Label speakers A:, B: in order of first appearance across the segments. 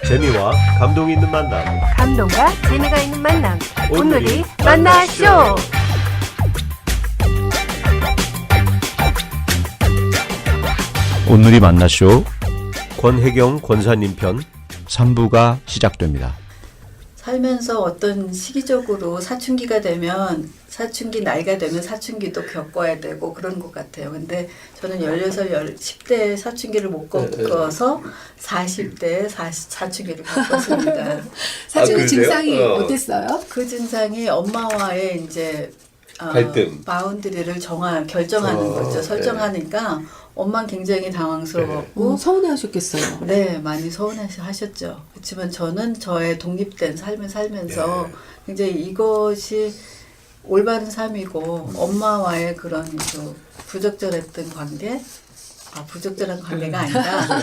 A: 재미와 감동이 있는 만남.
B: 감동과 재미가 있는 만남. 오늘이 만나쇼.
C: 오늘이 만나쇼
A: 권혜경 권사님 편
C: 3부가 시작됩니다.
D: 살면서 어떤 시기적으로 사춘기가 되면 사춘기 나이가 되면 사춘기도 겪어야 되고 그런 것 같아요. 근데 저는 10대 사춘기를 못 겪어서 40대에 사춘기를 겪었습니다.
E: 사춘기
A: 그러세요?
E: 증상이 어땠어요?
D: 그 증상이 엄마와의 이제
A: 갈등.
D: 바운드리를 결정하는 거죠. 설정하니까 엄마는 굉장히 당황스러웠고
E: 서운해하셨겠어요.
D: 네, 많이 서운하셨죠. 그렇지만 저는 저의 독립된 삶을 살면서 굉장히 이것이 올바른 삶이고 엄마와의 그런 그 부적절했던 관계, 부적절한 관계가 아니라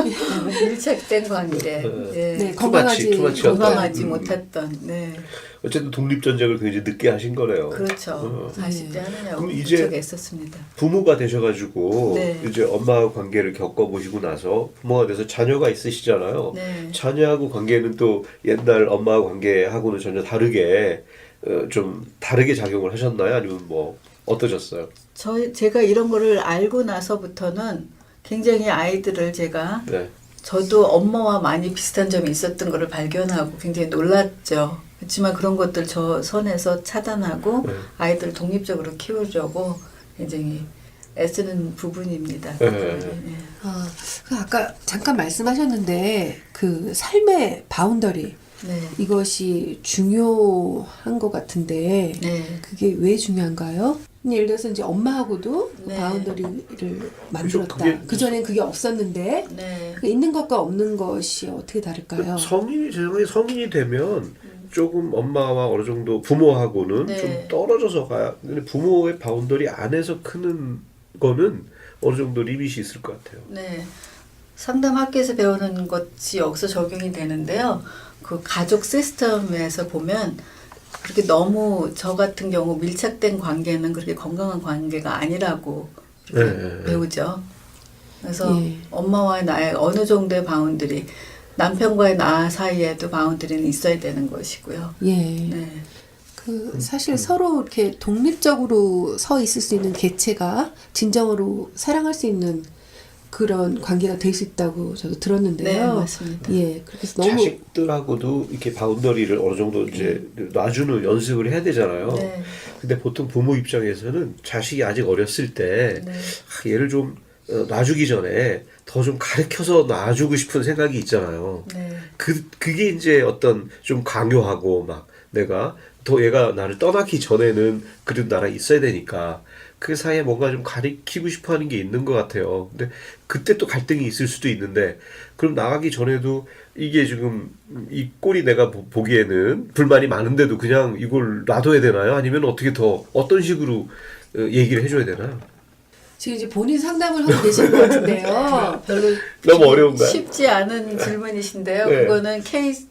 D: 밀착된 관계,
E: 네, 건강하지
D: 못했던, 네.
A: 어쨌든 독립전쟁을 굉장히 늦게 하신 거네요.
D: 그렇죠. 40대 하느냐고
A: 그럼 이제
D: 무척 애썼습니다.
A: 부모가 되셔가지고
D: 네.
A: 이제 엄마와 관계를 겪어보시고 나서 부모가 돼서 자녀가 있으시잖아요.
D: 네.
A: 자녀하고 관계는 또 옛날 엄마와 관계하고는 전혀 다르게 좀 다르게 작용을 하셨나요? 아니면 뭐 어떠셨어요?
D: 제가 이런 거를 알고 나서부터는 굉장히 아이들을 제가
A: 네.
D: 저도 엄마와 많이 비슷한 점이 있었던 거를 발견하고 굉장히 놀랐죠. 그렇지만 그런 것들 저 선에서 차단하고 아이들을 독립적으로 키우려고 굉장히 애쓰는 부분입니다.
A: 네.
E: 그 아까 잠깐 말씀하셨는데 그 삶의 바운더리
D: 네.
E: 이것이 중요한 것 같은데
D: 네.
E: 그게 왜 중요한가요? 예를 들어서 이제 엄마하고도
D: 네.
E: 바운더리를 만들었다.
A: 그게-
E: 그전엔 그게 없었는데
D: 네.
E: 그 있는 것과 없는 것이 어떻게 다를까요?
A: 성인이 되면 조금 엄마와 어느 정도 부모하고는
D: 네.
A: 좀 떨어져서 가야. 근데 부모의 바운더리 안에서 크는 거는 어느 정도 리밋이 있을 것 같아요.
D: 네. 상담 학교에서 배우는 것이 여기서 적용이 되는데요. 그 가족 시스템에서 보면 그렇게 너무 저 같은 경우 밀착된 관계는 그렇게 건강한 관계가 아니라고 이렇게
A: 네.
D: 배우죠. 그래서
E: 예.
D: 엄마와의 나의 어느 정도의 바운드리, 남편과의 나 사이에도 바운드리는 있어야 되는 것이고요.
E: 예.
D: 네.
E: 그 사실 서로 이렇게 독립적으로 서 있을 수 있는 개체가 진정으로 사랑할 수 있는 그런 관계가 될 수 있다고 저도 들었는데요.
D: 네, 맞습니다.
E: 예, 그래서 너무
A: 자식들하고도 이렇게 바운더리를 어느 정도 이제 놔주는 연습을 해야 되잖아요.
D: 네.
A: 근데 보통 부모 입장에서는 자식이 아직 어렸을 때
D: 네.
A: 얘를 좀 놔주기 전에 더 좀 가르쳐서 놔주고 싶은 생각이 있잖아요.
D: 네.
A: 그게 이제 어떤 좀 강요하고 막 내가 더 얘가 나를 떠나기 전에는 그래도 나랑 있어야 되니까 그 사이에 뭔가 좀 가리키고 싶어 하는 게 있는 것 같아요. 근데 그때 또 갈등이 있을 수도 있는데 그럼 나가기 전에도 이게 지금 이 꼴이 내가 보기에는 불만이 많은데도 그냥 이걸 놔둬야 되나요? 아니면 어떻게 더 어떤 식으로 얘기를 해줘야 되나요?
E: 지금 이제 본인 상담을 하고 계신 것 같은데요.
D: 별로
A: 너무 어려운가요?
D: 쉽지 않은 질문이신데요.
A: 네.
D: 그거는 케이스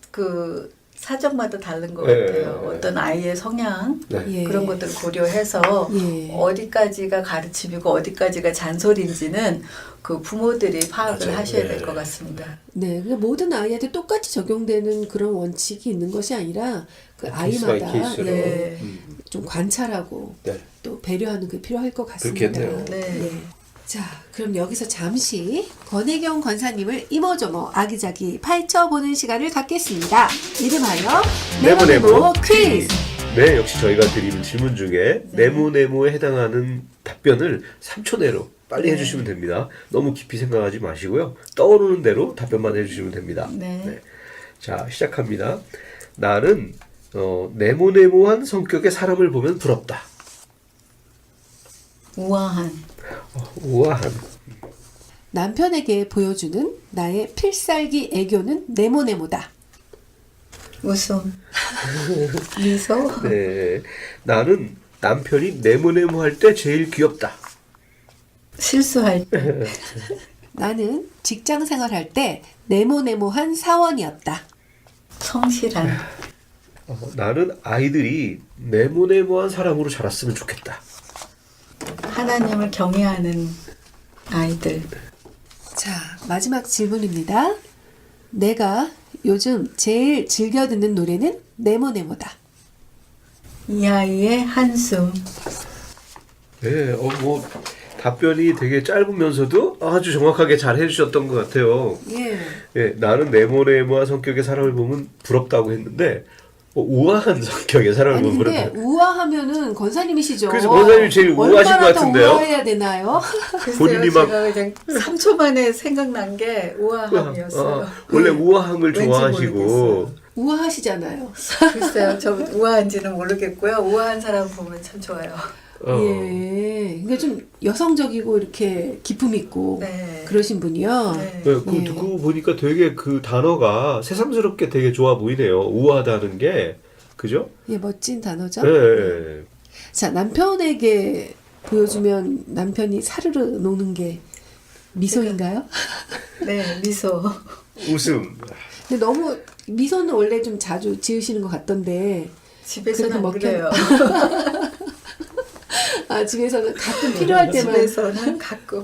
D: 사정마다 다른 것
A: 네.
D: 같아요. 어떤 아이의 성향
A: 네.
E: 예.
D: 그런 것들을 고려해서
E: 예.
D: 어디까지가 가르침이고 어디까지가 잔소리인지는 그 부모들이 파악을
A: 맞아요.
D: 하셔야
A: 네.
D: 될 것 같습니다.
E: 네, 그 모든 아이한테 똑같이 적용되는 그런 원칙이 있는 것이 아니라 그
A: 케이스 바이
E: 아이마다
A: 케이스로.
D: 네.
E: 좀 관찰하고
A: 네.
E: 또 배려하는 게 필요할 것 같습니다.
A: 그렇겠네요.
D: 네.
E: 예. 자, 그럼 여기서 잠시 권혜경 권사님을 이모저모 아기자기 파헤쳐보는 시간을 갖겠습니다. 이름하여 네모네모 퀴즈!
A: 네, 역시 저희가 드리는 질문 중에 네모네모에 해당하는 답변을 3초 내로 빨리
D: 네.
A: 해주시면 됩니다. 너무 깊이 생각하지 마시고요. 떠오르는 대로 답변만 해주시면 됩니다.
D: 네.
A: 자, 시작합니다. 나는 네모네모한 성격의 사람을 보면 부럽다.
D: 우아한,
A: 우아한.
E: 남편에게 보여주는 나의 필살기 애교는 네모네모다.
D: 웃음, 미소,
A: 네, 나는 남편이 네모네모할 때 제일 귀엽다.
D: 실수할 때,
E: 나는 직장 생활할 때 네모네모한 사원이었다.
D: 성실한,
A: 나는 아이들이 네모네모한 사람으로 자랐으면 좋겠다.
D: 하나님을 경외하는 아이들.
E: 자, 마지막 질문입니다. 내가 요즘 제일 즐겨 듣는 노래는 네모네모다.
D: 이하이의 한숨.
A: 네, 뭐 답변이 되게 짧으면서도 아주 정확하게 잘 해주셨던 것 같아요.
E: 예.
A: 예, 나는 네모네모한 성격의 사람을 보면 부럽다고 했는데 우아한 성격의 사람을
E: 아니
A: 보면
E: 근데
A: 부럽다.
E: 우아하면은 권사님이시죠.
A: 그래서 권사님이 제일 우아하신 것
E: 얼마나 더
A: 같은데요?
E: 우아해야 되나요?
D: 글쎄요,
A: 본인이 막-
D: 제가 그냥 3초 만에 생각난 게 우아함이었어요.
A: 원래 우아함을
D: 왠지
A: 좋아하시고
D: 모르겠어요.
E: 우아하시잖아요.
D: 글쎄요, 저 우아한지는 모르겠고요. 우아한 사람 보면 참 좋아요.
E: 예. 그러니까 좀 여성적이고 이렇게 기품 있고
D: 네.
E: 그러신 분이요.
D: 네.
A: 네, 그
E: 예.
A: 듣고 보니까 되게 그 단어가 새삼스럽게 되게 좋아 보이네요. 우아하다는 게 그죠?
E: 예, 멋진 단어죠.
A: 네.
E: 자, 남편에게 보여주면 남편이 사르르 녹는 게 미소인가요?
D: 네, 미소.
A: 웃음.
E: 근데 너무 미소는 원래 좀 자주 지으시는 것 같던데.
D: 집에서는 안
E: 그래도
D: 그래요.
E: 아, 집에서는 가끔 필요할 때만.
D: 집에서는 가끔.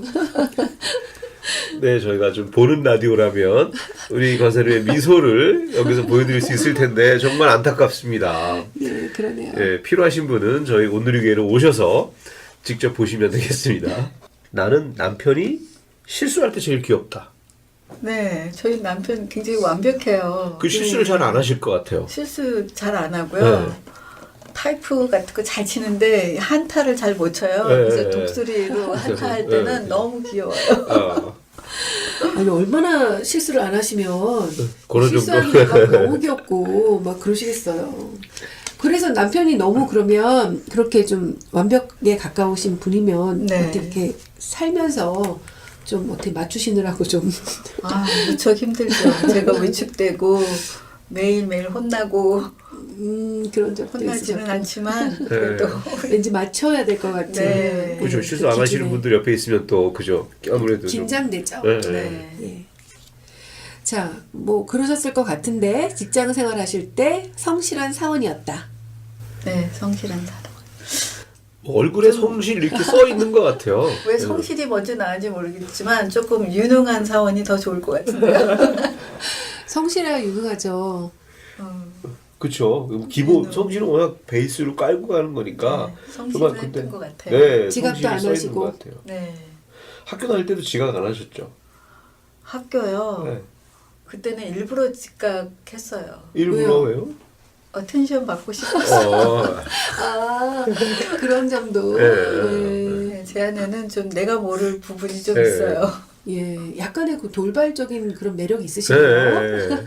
A: 네, 저희가 좀 보는 라디오라면 우리 권사님의 미소를 여기서 보여드릴 수 있을 텐데 정말 안타깝습니다.
E: 예, 그러네요.
A: 예, 필요하신 분은 저희 오늘의 교회로 오셔서 직접 보시면 되겠습니다. 나는 남편이 실수할 때 제일 귀엽다.
D: 네, 저희 남편 굉장히 완벽해요.
A: 그 실수를 잘 안 하실 것 같아요.
D: 실수 잘 안 하고요.
A: 네.
D: 타이프 같은 거 잘 치는데 한타를 잘 못 쳐요.
A: 네,
D: 그래서
A: 네.
D: 독수리로 한타 할
A: 네,
D: 때는
A: 네.
D: 너무 귀여워요.
A: 아,
E: 아니, 얼마나 실수를 안 하시면
A: 그런
E: 실수하기가 막
A: 정도.
E: 너무 귀엽고 막 그러시겠어요. 그래서 남편이 너무 그러면 그렇게 좀 완벽에 가까우신 분이면
D: 네.
E: 어떻게 살면서 좀 어떻게 맞추시느라고 좀
D: 아, 무척 힘들죠. 제가 위축되고 매일매일 혼나고
E: 그런 적도
D: 혼나지는
E: 있으셨고
D: 않지만 그래도
E: 왠지 맞춰야 될 것 같은
D: 네.
A: 그죠.
E: 그
A: 실수 안 하시는
E: 기준에
A: 분들 옆에 있으면 또 그죠. 아무래도 좀.
E: 긴장되죠.
A: 네,
D: 네.
E: 예. 자, 뭐 그러셨을 것 같은데 직장 생활하실 때 성실한 사원이었다.
D: 네, 성실한 사람.
A: 얼굴에 성실 이렇게 써 있는 것 같아요.
D: 왜 성실이 먼저 나은지 모르겠지만 조금 유능한 사원이 더 좋을 것 같은데요.
E: 성실해야 유능하죠.
A: 그렇죠. 기본 성실은 워낙 베이스로 깔고 가는 거니까.
D: 네, 성실을 했던 것 같아요.
A: 네,
E: 지각도
A: 성실이
E: 안
A: 써 있는
E: 하시고.
A: 것 같아요.
D: 네.
A: 학교 다닐 때도 지각 안 하셨죠?
D: 학교요.
A: 네.
D: 그때는 일부러 즉각했어요.
A: 일부러 왜요?
D: 어텐션 받고 싶었어요.
E: 아, 그런 점도.
A: 네.
D: 네, 제 안에는 좀 내가 모를 부분이 좀
A: 네.
D: 있어요.
E: 예, 약간의 그 돌발적인 그런 매력이 있으시네요.
A: 네.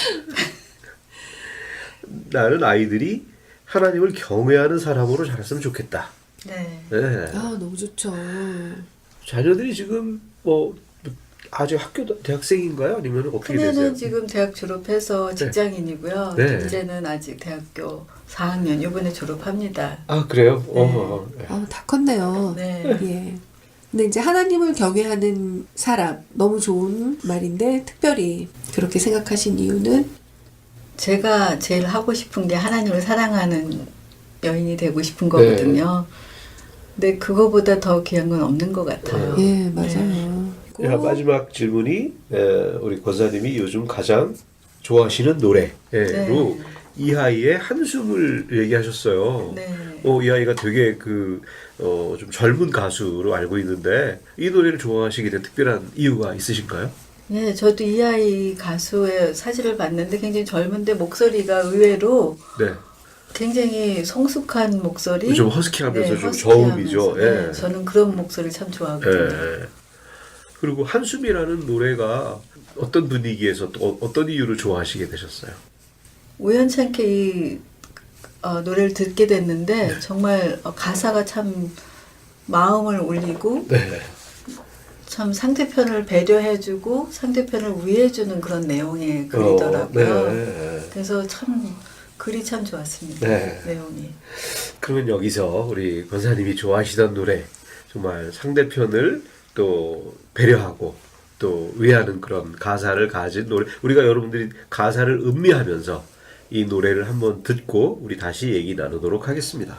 A: 나는 아이들이 하나님을 경외하는 사람으로 자랐으면 좋겠다.
D: 네.
A: 네.
E: 아, 너무 좋죠.
A: 자녀들이 지금 뭐 아직 대학생인가요? 아니면 어떻게 되세요?
D: 큰애는 지금 대학 졸업해서 직장인이고요.
A: 네.
D: 둘째는 아직 대학교 4학년 이번에 졸업합니다.
A: 아 그래요?
D: 네.
E: 다 컸네요.
D: 네.
E: 예. 근데 이제 하나님을 경외하는 사람 너무 좋은 말인데 특별히 그렇게 생각하신 이유는
D: 제가 제일 하고 싶은 게 하나님을 사랑하는 여인이 되고 싶은 거거든요. 근데 그거보다 더 귀한 건 없는 것 같아요.
E: 예, 맞아요.
A: 자, 마지막 질문이 우리 권사님이 요즘 가장 좋아하시는 노래로
D: 네.
A: 이하이의 한숨을 얘기하셨어요.
D: 네.
A: 이하이가 되게 좀 젊은 가수로 알고 있는데 이 노래를 좋아하시게 된 특별한 이유가 있으신가요?
D: 예, 저도 이 아이 가수의 사진을 봤는데 굉장히 젊은데 목소리가 의외로
A: 네.
D: 굉장히 성숙한 목소리.
A: 좀 허스키하면서 좀
D: 허스키하면서.
A: 저음이죠.
D: 네,
A: 예.
D: 저는 그런 목소리 참 좋아하거든요.
A: 예. 그리고 한숨이라는 노래가 어떤 분위기에서 또 어떤 이유로 좋아하시게 되셨어요?
D: 우연찮게 이 노래를 듣게 됐는데 정말 가사가 참 마음을 울리고
A: 네.
D: 참 상대편을 배려해주고 상대편을 위해주는 그런 내용의 글이더라고요.
A: 네.
D: 그래서 참 글이 참 좋았습니다.
A: 네.
D: 내용이.
A: 그러면 여기서 우리 권사님이 좋아하시던 노래 정말 상대편을 또 배려하고 또 위하는 그런 가사를 가진 노래 우리가 여러분들이 가사를 음미하면서 이 노래를 한번 듣고 우리 다시 얘기 나누도록 하겠습니다.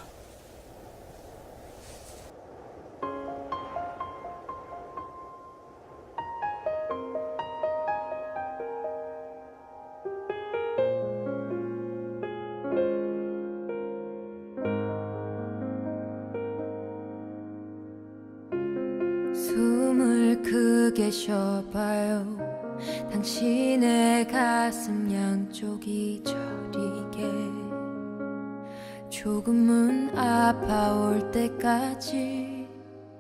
F: 계셔봐요. 당신의 가슴 양쪽이 저리게 조금은 아파올 때까지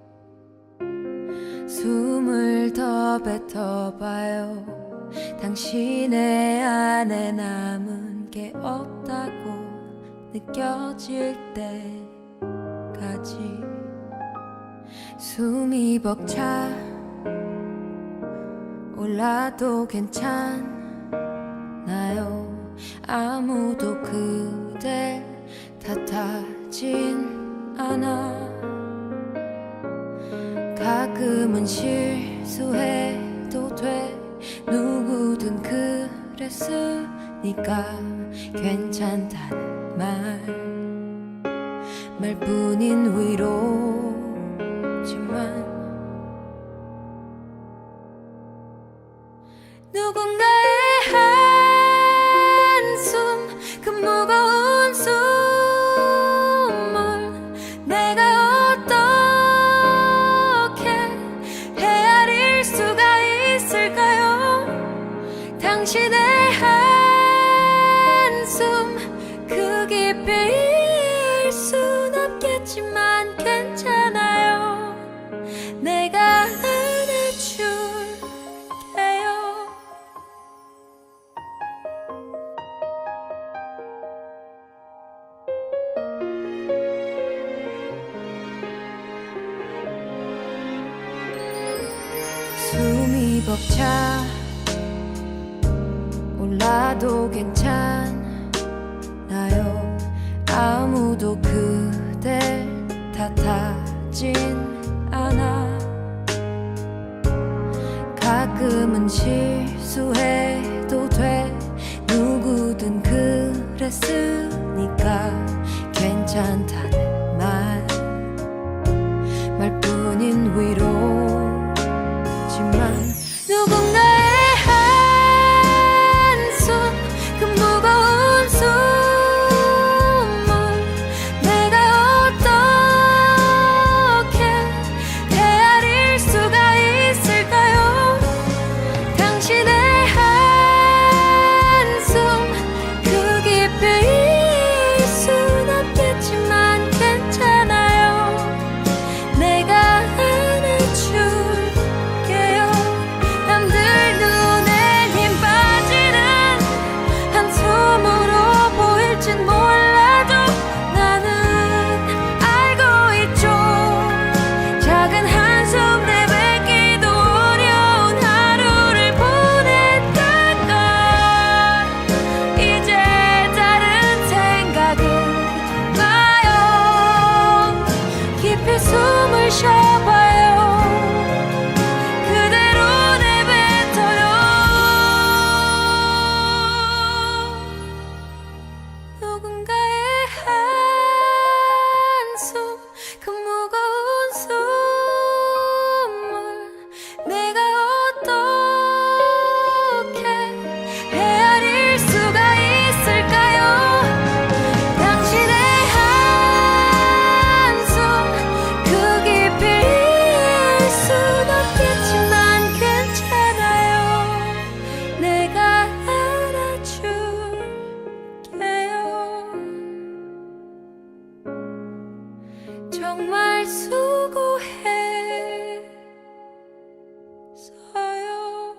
F: 숨을 더 뱉어봐요. 당신의 안에 남은 게 없다고 느껴질 때까지 숨이 벅차 올라도 괜찮나요? 아무도 그댈 탓하진 않아. 가끔은 실수해도 돼. 누구든 그랬으니까 괜찮다는 말뿐인 위로지만 누군가의 한숨 그 무거운 숨을 내가 어떻게 헤아릴 수가 있을까요? 당신의 한숨 그 깊이일 순 없겠지만 괜찮아요. 내가 안아줄게요. 숨이 벅차 올라도 괜찮아요. 아무도 그댈 탓하진 않아. 가끔은 실수해도 돼. 누구든 그랬으니까 괜찮다는 말뿐인 위로지만 누군가의 한숨 그 무거운 숨을 내가 어떻게 헤아릴 수가 있을까요? 당신의 한숨 그 깊이일 순 없겠지만 괜찮아요. 내가 안아줄게요. 남들 눈에 힘 빠지는 한숨으로 보일진 몰라도 나는 알고 있죠. 작은 한숨 내뱉기도 어려운 하루를 보냈다가 이제 다른 생각은 나요. 깊이 숨을 쉬어봐요. 그대로 내뱉어요. 누군가의 한숨 그 무거운 숨을 내가 어떻게 헤아릴 수가 있을까요? 당신의 한숨 그 깊이일 순 없겠지만 괜찮아요. 내가 안아줄게요. 정말 수고했어요.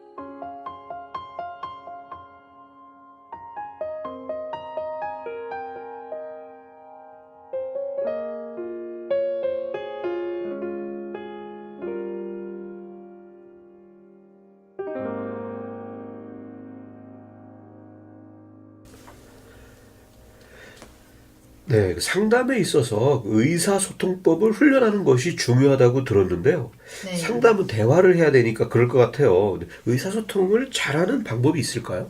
A: 네, 그 상담에 있어서 의사소통법을 훈련하는 것이 중요하다고 들었는데요.
D: 네.
A: 상담은 대화를 해야 되니까 그럴 것 같아요. 근데 의사소통을 잘하는 방법이 있을까요?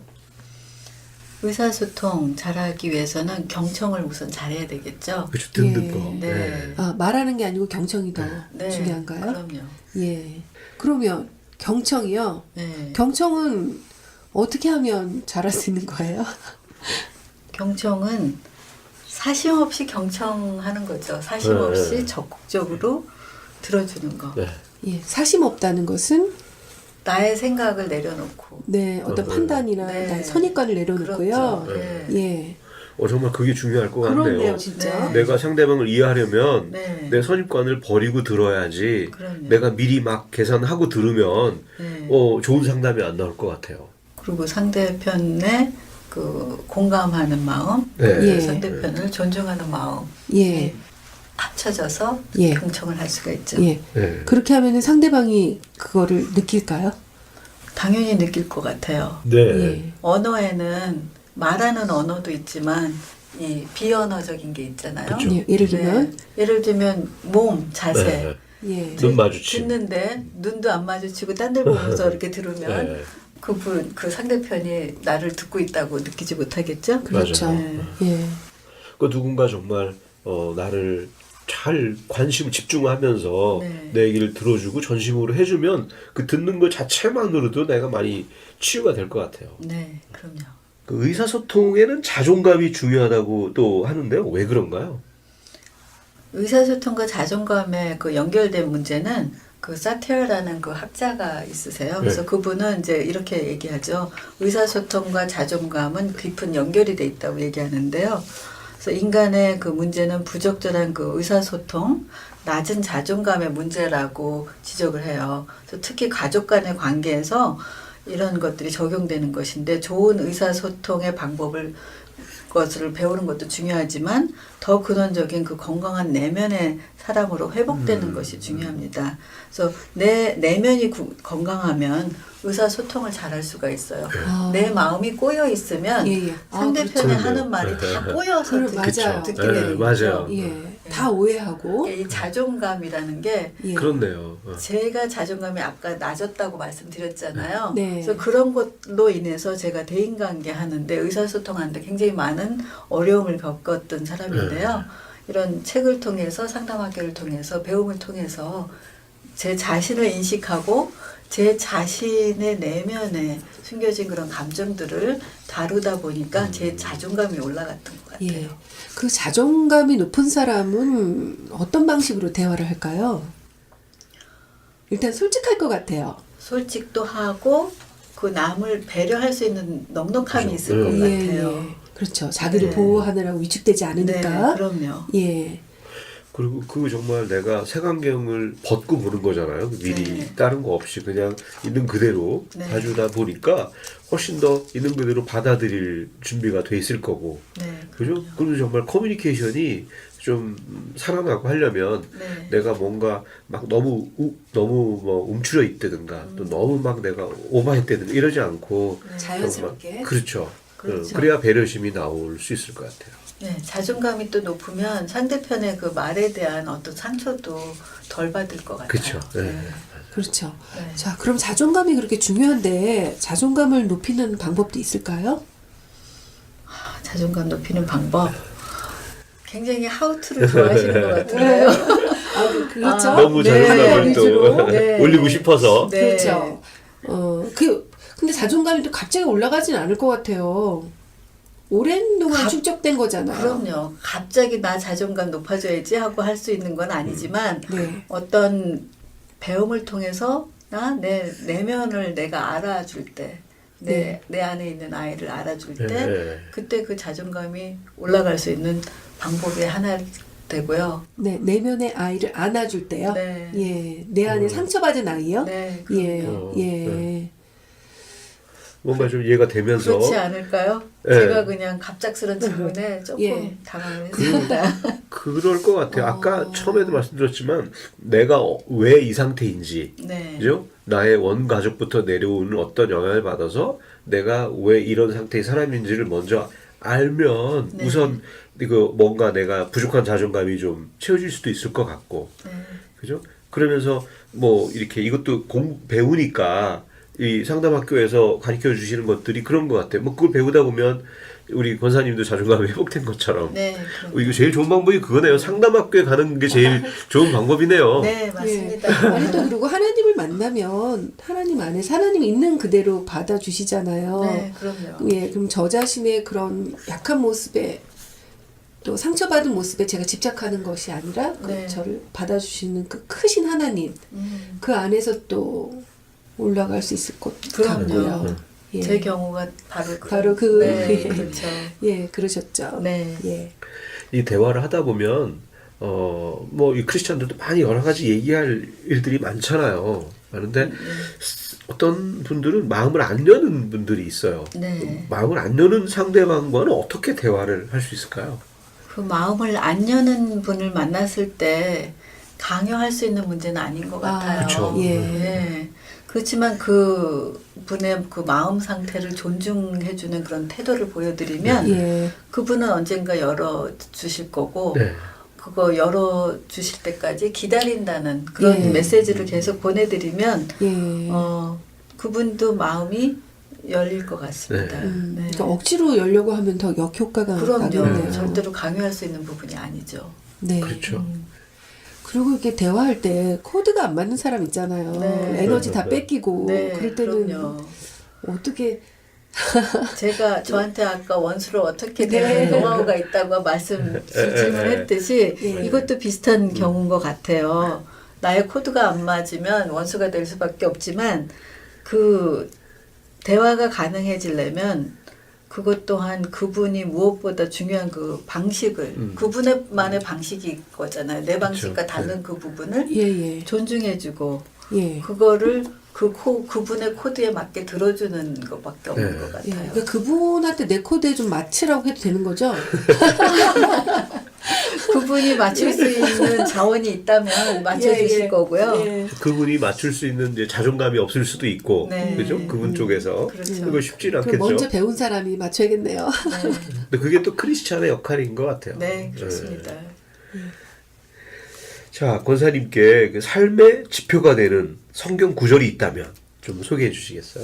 D: 의사소통 잘하기 위해서는 경청을 우선 잘해야 되겠죠.
A: 그렇죠, 듣는
E: 예.
A: 거.
D: 네.
E: 아, 말하는 게 아니고 경청이 더
D: 네,
E: 중요한가요?
D: 그럼요.
E: 예. 그러면 경청이요.
D: 네.
E: 경청은 어떻게 하면 잘할 수 있는 거예요?
D: 경청은 사심 없이 경청하는 거죠. 사심
A: 네,
D: 없이
A: 네.
D: 적극적으로 들어주는 거.
A: 네.
E: 예. 사심 없다는 것은
D: 나의 생각을 내려놓고
E: 네, 어떤 판단이나
D: 네.
E: 나의 선입관을 내려놓고요.
D: 그렇죠. 네.
E: 예.
A: 정말 그게 중요할 것 같네요.
E: 그렇네요, 진짜.
D: 네.
A: 내가 상대방을 이해하려면
D: 네.
A: 내 선입관을 버리고 들어야지.
D: 그럼요.
A: 내가 미리 막 계산하고 들으면
D: 네.
A: 좋은 상담이 안 나올 것 같아요.
D: 그리고 상대편의 그 공감하는 마음,
A: 네.
E: 예.
D: 상대편을 존중하는 마음
E: 예.
D: 합쳐져서
E: 예.
D: 경청을 할 수가 있죠.
E: 예.
A: 네.
E: 그렇게 하면은 상대방이 그거를 느낄까요?
D: 당연히 느낄 것 같아요.
A: 네.
E: 예.
D: 언어에는 말하는 언어도 있지만 이 비언어적인 게 있잖아요.
A: 그쵸.
E: 예. 예를 들면
D: 예를 들면 몸, 자세.
A: 네.
E: 예.
A: 눈 마주침.
D: 듣는데 눈도 안 마주치고 딴 데 보면서 이렇게 들으면
A: 네.
D: 그 상대편이 나를 듣고 있다고 느끼지 못하겠죠?
E: 그렇죠.
D: 네.
E: 예.
A: 그 누군가 정말 나를 잘 관심 집중하면서
D: 네.
A: 내 얘기를 들어주고 전심으로 해주면 그 듣는 것 자체만으로도 내가 많이 치유가 될 것 같아요.
D: 네, 그럼요.
A: 그 의사소통에는 자존감이 중요하다고 또 하는데요. 왜 그런가요?
D: 의사소통과 자존감에 그 연결된 문제는 그 사티어라는 그 학자가 있으세요. 그래서
A: 네.
D: 그분은 이제 이렇게 얘기하죠. 의사소통과 자존감은 깊은 연결이 돼 있다고 얘기하는데요. 그래서 인간의 그 문제는 부적절한 그 의사소통, 낮은 자존감의 문제라고 지적을 해요. 그래서 특히 가족 간의 관계에서 이런 것들이 적용되는 것인데 좋은 의사소통의 것을 배우는 것도 중요하지만 더 근원적인 그 건강한 내면의 사람으로 회복되는 것이 중요합니다. 그래서 내 내면이 건강하면 의사소통을 잘할 수가 있어요.
E: 아.
D: 내 마음이 꼬여 있으면
E: 예, 예. 아,
D: 상대편이
A: 그렇죠.
D: 하는 말이 다 꼬여서
E: 맞아요.
D: 듣게
A: 네,
D: 되는 거죠.
A: 맞아요.
E: 예. 다 오해하고
D: 이 자존감이라는 게
E: 예.
A: 그렇네요.
D: 제가 자존감이 아까 낮았다고 말씀드렸잖아요.
E: 네.
D: 그래서 그런 것로 인해서 제가 대인관계 하는데 의사소통하는데 굉장히 많은 어려움을 겪었던 사람인데요. 이런 책을 통해서 상담학교를 통해서 배움을 통해서 제 자신을 인식하고 제 자신의 내면에 숨겨진 그런 감정들을 다루다 보니까 제 자존감이 올라갔던 것 같아요.
E: 예. 그 자존감이 높은 사람은 어떤 방식으로 대화를 할까요? 일단 솔직할 것 같아요.
D: 솔직도 하고 그 남을 배려할 수 있는 넉넉함이 있을 것
A: 예,
D: 같아요.
E: 그렇죠. 자기를
D: 네.
E: 보호하느라고 위축되지
D: 네,
E: 않으니까.
D: 그럼요.
E: 예.
A: 그리고 그 정말 내가 색안경을 벗고 보는 거잖아요. 미리
D: 네.
A: 다른 거 없이 그냥 있는 그대로
D: 네.
A: 봐주다 보니까 훨씬 더 있는 그대로 받아들일 준비가 돼 있을 거고.
D: 네,
A: 그죠? 그리고 정말 커뮤니케이션이 좀 살아나고 하려면
D: 네.
A: 내가 뭔가 막 너무 뭐 움츠려 있다든가 또 너무 막 내가 오버했다든가 이러지 않고
E: 자연스럽게.
A: 정말 그렇죠.
D: 그렇죠.
A: 그래야 배려심이 나올 수 있을 것 같아요.
D: 네, 자존감이 또 높으면 상대편의 그 말에 대한 어떤 상처도 덜 받을 것 같아요.
A: 그렇죠. 네.
E: 그렇죠.
D: 네.
E: 자, 그럼 자존감이 그렇게 중요한데 자존감을 높이는 방법도 있을까요?
D: 자존감 높이는 방법. 굉장히 하우투를 좋아하시는 것 같은데요.
E: 그렇죠.
A: 너무
D: 네.
A: 자존감을 또
E: 위주로.
D: 네.
A: 올리고 싶어서.
D: 네.
E: 그렇죠. 근데 자존감이 또 갑자기 올라가진 않을 것 같아요. 오랜 동안 축적된 거잖아요.
D: 그럼요. 갑자기 나 자존감 높아져야지 하고 할 수 있는 건 아니지만
E: 네.
D: 어떤 배움을 통해서 내 내면을 내가 알아줄 때, 내 안에 있는 아이를 알아줄 때,
A: 네.
D: 그때 그 자존감이 올라갈 수 있는 방법이 하나 되고요.
E: 네, 내면의 아이를 안아줄 때요.
D: 네.
E: 예, 내 안에 상처받은 아이요.
D: 네,
E: 예,
D: 그럼요.
E: 예.
A: 네. 뭔가 좀 이해가 되면서
D: 그렇지 않을까요?
A: 네.
D: 제가 그냥 갑작스런 질문에 조금
E: 예.
D: 당황을 했습니다.
A: 그럴 것 같아요. 아까 처음에도 말씀드렸지만 내가 왜 이 상태인지,
D: 네.
A: 그죠? 나의 원 가족부터 내려오는 어떤 영향을 받아서 내가 왜 이런 상태의 사람인지를 먼저 알면
D: 네.
A: 우선 이거 뭔가 내가 부족한 자존감이 좀 채워질 수도 있을 것 같고,
D: 네.
A: 그죠? 그러면서 뭐 이렇게 이것도 배우니까 이 상담학교에서 가르쳐 주시는 것들이 그런 것 같아요. 뭐 그걸 배우다 보면 우리 권사님도 자존감이 회복된 것처럼
D: 네, 그럼요.
A: 이거 제일 좋은 방법이 그거네요. 상담학교에 가는 게 제일 좋은 방법이네요.
D: 네, 맞습니다.
E: 예. 아니 또 그리고 하나님을 만나면 하나님 안에서 하나님이 있는 그대로 받아주시잖아요.
D: 네, 그럼요.
E: 예, 그럼 저 자신의 그런 약한 모습에 또 상처받은 모습에 제가 집착하는 것이 아니라 그
D: 네.
E: 저를 받아주시는 그 크신 하나님 그 안에서 또 올라갈 수 있을 것
D: 그럼요.
E: 같고요. 예.
D: 제 경우가
E: 바로 그
D: 네,
E: 예.
D: 그렇죠.
E: 예, 그러셨죠.
D: 네.
E: 예.
A: 이 대화를 하다 보면 뭐 이 크리스천들도 많이 여러 가지 얘기할 일들이 많잖아요. 많은데 어떤 분들은 마음을 안 여는 분들이 있어요.
D: 네.
A: 마음을 안 여는 상대방과는 어떻게 대화를 할 수 있을까요?
D: 그 마음을 안 여는 분을 만났을 때 강요할 수 있는 문제는 아닌 것 같아요.
A: 그쵸.
E: 예.
D: 예. 그렇지만 그 분의 그 마음 상태를 존중해주는 그런 태도를 보여드리면
E: 예.
D: 그분은 언젠가 열어 주실 거고
A: 네.
D: 그거 열어 주실 때까지 기다린다는 그런
E: 예.
D: 메시지를 계속 보내드리면
E: 예.
D: 그분도 마음이 열릴 것 같습니다. 네.
E: 그러니까 억지로 열려고 하면 더 역효과가
D: 그럼요.
E: 나겠네요.
D: 절대로 강요할 수 있는 부분이 아니죠.
E: 네.
A: 그렇죠.
E: 그리고 이렇게 대화할 때 코드가 안 맞는 사람 있잖아요.
D: 네.
E: 에너지 다 뺏기고
D: 네,
E: 그럴 때는
D: 그럼요.
E: 어떻게
D: 제가 저한테 아까 원수를 어떻게
E: 네.
D: 대하는 노하우가 있다고 질문했듯이
E: 예.
D: 이것도 비슷한 경우인 것 같아요. 나의 코드가 안 맞으면 원수가 될 수밖에 없지만 그 대화가 가능해지려면 그것 또한 그분이 무엇보다 중요한 그 방식을 그분의만의 방식이 거잖아요. 내 방식과 다른 그 부분을
E: 예예
D: 존중해주고
E: 예.
D: 그거를 그분의 코드에 맞게 들어주는 것밖에 없는
A: 네.
D: 것
E: 예.
D: 같아요.
E: 그러니까 그분한테 내 코드에 좀 맞추라고 해도 되는 거죠?
D: 그분이 맞출 수 있는 자원이 있다면 맞춰주실
E: 예, 예.
D: 거고요.
E: 예.
A: 그분이 맞출 수 있는 이제 자존감이 없을 수도 있고,
D: 네.
A: 그죠? 그분 쪽에서
D: 그렇죠.
A: 그거 쉽지는
E: 그럼
A: 않겠죠.
E: 먼저 배운 사람이 맞춰야겠네요.
D: 네,
A: 근데 그게 또 크리스찬의 역할인 것 같아요.
D: 네, 그렇습니다.
A: 자, 권사님께 그 삶의 지표가 되는 성경 구절이 있다면 좀 소개해 주시겠어요?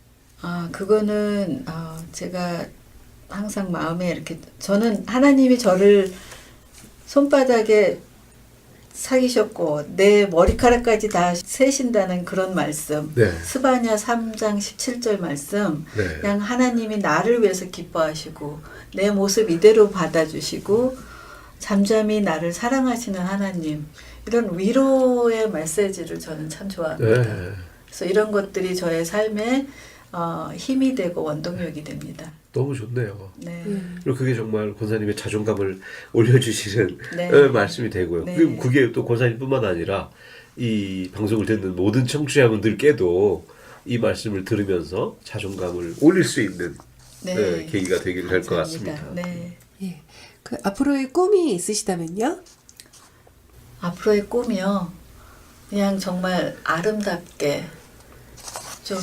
D: 그거는 제가 항상 마음에 이렇게 저는 하나님이 저를 손바닥에 사귀셨고 내 머리카락까지 다 세신다는 그런 말씀.
A: 네.
D: 스바냐 3장 17절 말씀.
A: 네.
D: 그냥 하나님이 나를 위해서 기뻐하시고 내 모습 이대로 받아주시고 잠잠히 나를 사랑하시는 하나님. 이런 위로의 메시지를 저는 참 좋아합니다.
A: 네.
D: 그래서 이런 것들이 저의 삶에 힘이 되고 원동력이 됩니다.
A: 너무 좋네요.
D: 네.
A: 그리고 그게 정말 권사님의 자존감을 올려주시는
D: 네.
A: 말씀이 되고요.
D: 네.
A: 그리고 그게 또 권사님뿐만 아니라 이 방송을 듣는 모든 청취자분들께도 이 말씀을 들으면서 자존감을 올릴 수 있는
D: 네.
A: 계기가 되기를 할 것
D: 감사합니다.
A: 같습니다.
D: 네.
E: 예. 그 앞으로의 꿈이 있으시다면요?
D: 앞으로의 꿈이요. 그냥 정말 아름답게 좀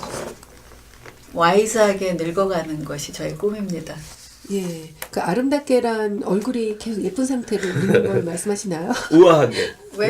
D: 와이즈하게 늙어가는 것이 저의 꿈입니다.
E: 예. 그 아름답게란 얼굴이 계속 예쁜 상태로 있는 걸 말씀하시나요?
A: 우아하게.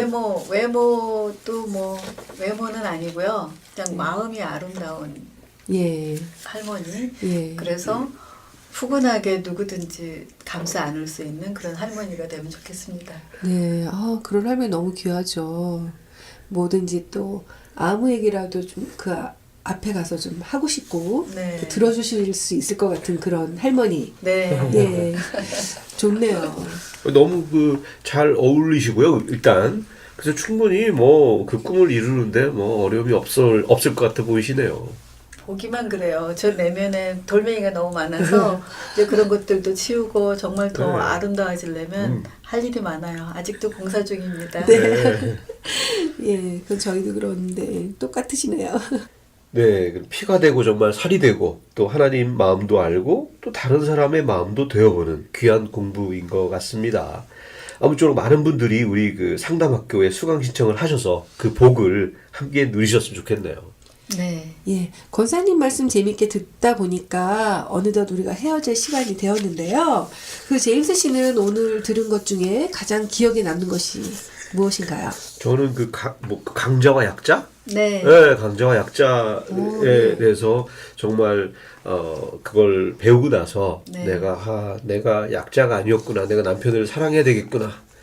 D: 외모도 뭐 외모는 아니고요. 그냥 마음이 아름다운
E: 예.
D: 할머니.
E: 예.
D: 그래서 푸근하게 누구든지 감싸 안을 수 있는 그런 할머니가 되면 좋겠습니다.
E: 네. 그런 할머니 너무 귀하죠. 뭐든지 또 아무 얘기라도 좀 그 앞에 가서 좀 하고 싶고
D: 네.
E: 들어주실 수 있을 것 같은 그런 할머니.
D: 네.
E: 예. 좋네요.
A: 너무 잘 어울리시고요. 일단 그래서 충분히 뭐 그 꿈을 이루는데 뭐 어려움이 없을 것 같아 보이시네요.
D: 보기만 그래요. 저 내면에 돌멩이가 너무 많아서 이제 그런 것들도 치우고 정말 더
A: 네.
D: 아름다워지려면 할 일이 많아요. 아직도 공사 중입니다.
E: 네. 예. 그건 저희도 그런데 똑같으시네요.
A: 네, 피가 되고 정말 살이 되고 또 하나님 마음도 알고 또 다른 사람의 마음도 되어보는 귀한 공부인 것 같습니다. 아무쪼록 많은 분들이 우리 그 상담학교에 수강 신청을 하셔서 그 복을 함께 누리셨으면 좋겠네요.
D: 네.
E: 예, 권사님 말씀 재밌게 듣다 보니까 어느덧 우리가 헤어질 시간이 되었는데요. 그 제임스 씨는 오늘 들은 것 중에 가장 기억에 남는 것이 무엇인가요?
A: 저는 강자와 약자?
D: 네.
A: 네, 강자와 약자에 대해서 정말 그걸 배우고 나서
D: 네.
A: 내가 약자가 아니었구나. 내가 남편을 사랑해야 되겠구나.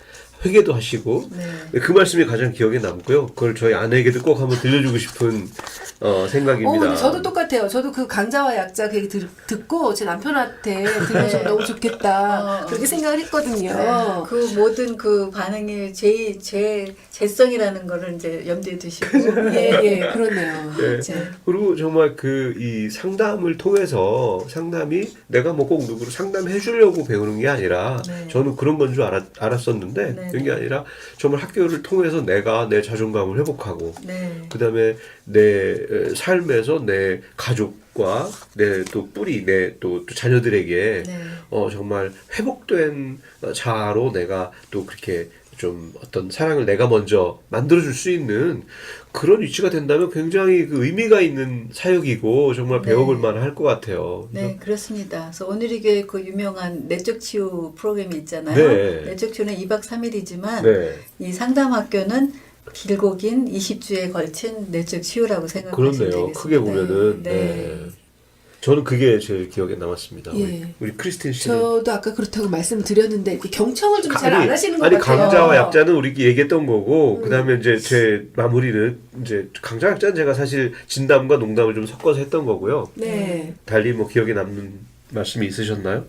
A: 회개도 하시고
D: 네.
A: 그 말씀이 가장 기억에 남고요. 그걸 저희 아내에게도 꼭 한번 들려주고 싶은 생각입니다.
E: 근데 저도 똑같아요. 저도 그 강자와 약자 그 얘기 듣고 제 남편한테 들려주면 너무 좋겠다. 그렇게 생각을 했거든요.
D: 네. 그 모든 그 반응이 제 재성이라는 거를 이제 염두에 두시고.
E: 예, 그렇네요.
A: 네.
D: 네.
A: 그리고 정말 그 이 상담을 통해서 상담이 내가 뭐 꼭 누구를 상담해 주려고 배우는 게 아니라
D: 네.
A: 저는 그런 건 줄 알았었는데
D: 네.
A: 그런 게 아니라 정말 학교를 통해서 내가 내 자존감을 회복하고
D: 네.
A: 그다음에 내 삶에서 내 가족과 내 또 뿌리 내 또 자녀들에게
D: 네.
A: 정말 회복된 자아로 내가 또 그렇게 좀 어떤 사랑을 내가 먼저 만들어줄 수 있는 그런 위치가 된다면 굉장히 그 의미가 있는 사역이고 정말
D: 네.
A: 배워볼 만할 것 같아요.
D: 네, 그렇습니다. 그래서 오늘이 교회 그 유명한 내적 치유 프로그램이 있잖아요.
A: 네.
D: 내적 치유는 2박 3일이지만
A: 네.
D: 이 상담학교는 길고 긴 20주에 걸친 내적 치유라고 생각하시면
A: 그렇네요.
D: 되겠습니다.
A: 크게 보면은
D: 네.
A: 네. 저는 그게 제일 기억에 남았습니다.
E: 예.
A: 우리 크리스틴 씨는
E: 저도 아까 그렇다고 말씀드렸는데 이렇게 경청을 좀 잘 안 하시는 것
A: 아니
E: 같아요.
A: 강자와 약자는 우리 얘기했던 거고 그다음에 이제 제 마무리는 이제 강자 약자는 제가 사실 진담과 농담을 좀 섞어서 했던 거고요.
E: 네.
A: 달리 뭐 기억에 남는 말씀이 있으셨나요?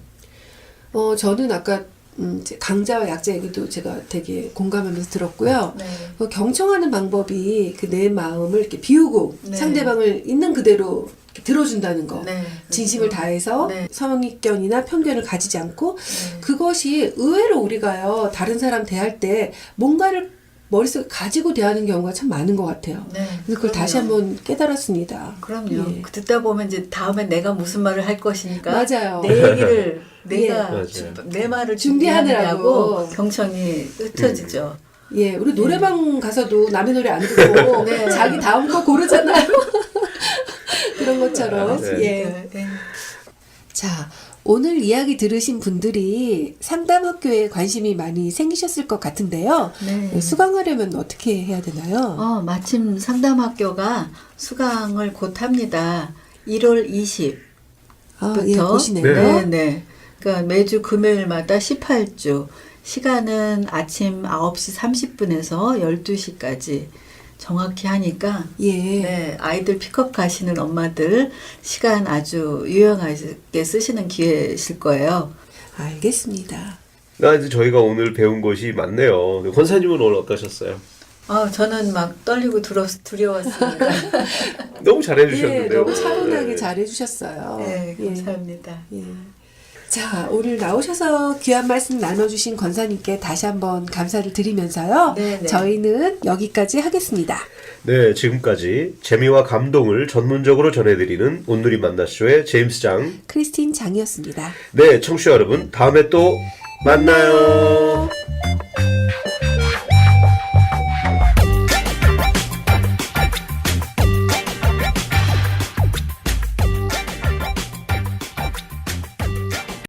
E: 저는 아까 이제 강자와 약자 얘기도 제가 되게 공감하면서 들었고요.
D: 네.
E: 그 경청하는 방법이 그 내 마음을 이렇게 비우고
D: 네.
E: 상대방을 있는 그대로 이렇게 들어준다는 거.
D: 네.
E: 진심을 다해서
D: 네.
E: 선입견이나 편견을 가지지 않고
D: 네.
E: 그것이 의외로 우리가요 다른 사람 대할 때 뭔가를 머릿속에 가지고 대하는 경우가 참 많은 것 같아요.
D: 네.
E: 그래서 그걸 다시
D: 그럼요.
E: 한번 깨달았습니다.
D: 그럼요.
E: 예.
D: 듣다 보면 이제 다음에 내가 무슨 말을 할 것이니까
E: 맞아요.
D: 내 얘기를 내가
A: 맞아요.
D: 내 말을
E: 준비하느라고.
D: 준비하느라고 경청이 흩어지죠.
E: 예, 우리 노래방 가서도 남의 노래 안 듣고
D: 네.
E: 자기 다음 거 고르잖아요. 그런 것처럼.
A: 네.
E: 예.
D: 네.
E: 자, 오늘 이야기 들으신 분들이 상담학교에 관심이 많이 생기셨을 것 같은데요.
D: 네.
E: 수강하려면 어떻게 해야 되나요?
D: 마침 상담학교가 수강을 곧 합니다. 1월 20.
E: 예, 보시네요.
D: 네, 네. 그러니까 매주 금요일마다 18주. 시간은 아침 9시 30분에서 12시까지 정확히 하니까
E: 예.
D: 네, 아이들 픽업 가시는 엄마들 시간 아주 유용하게 쓰시는 기회실 거예요.
E: 알겠습니다.
A: 이제 저희가 오늘 배운 것이 많네요. 권사님은 오늘 어떠셨어요?
D: 저는 막 떨리고 두려웠습니다.
A: 너무 잘해주셨는데요.
E: 예, 너무 차분하게
A: 네.
E: 잘해주셨어요.
D: 네,
E: 예.
D: 감사합니다.
E: 예. 자, 오늘 나오셔서 귀한 말씀 나눠주신 권사님께 다시 한번 감사를 드리면서요.
D: 네, 네.
E: 저희는 여기까지 하겠습니다.
A: 네, 지금까지 재미와 감동을 전문적으로 전해드리는 온누리 만나쇼의 제임스 장.
E: 크리스틴 장이었습니다.
A: 네, 청취자 여러분, 다음에 또 만나요.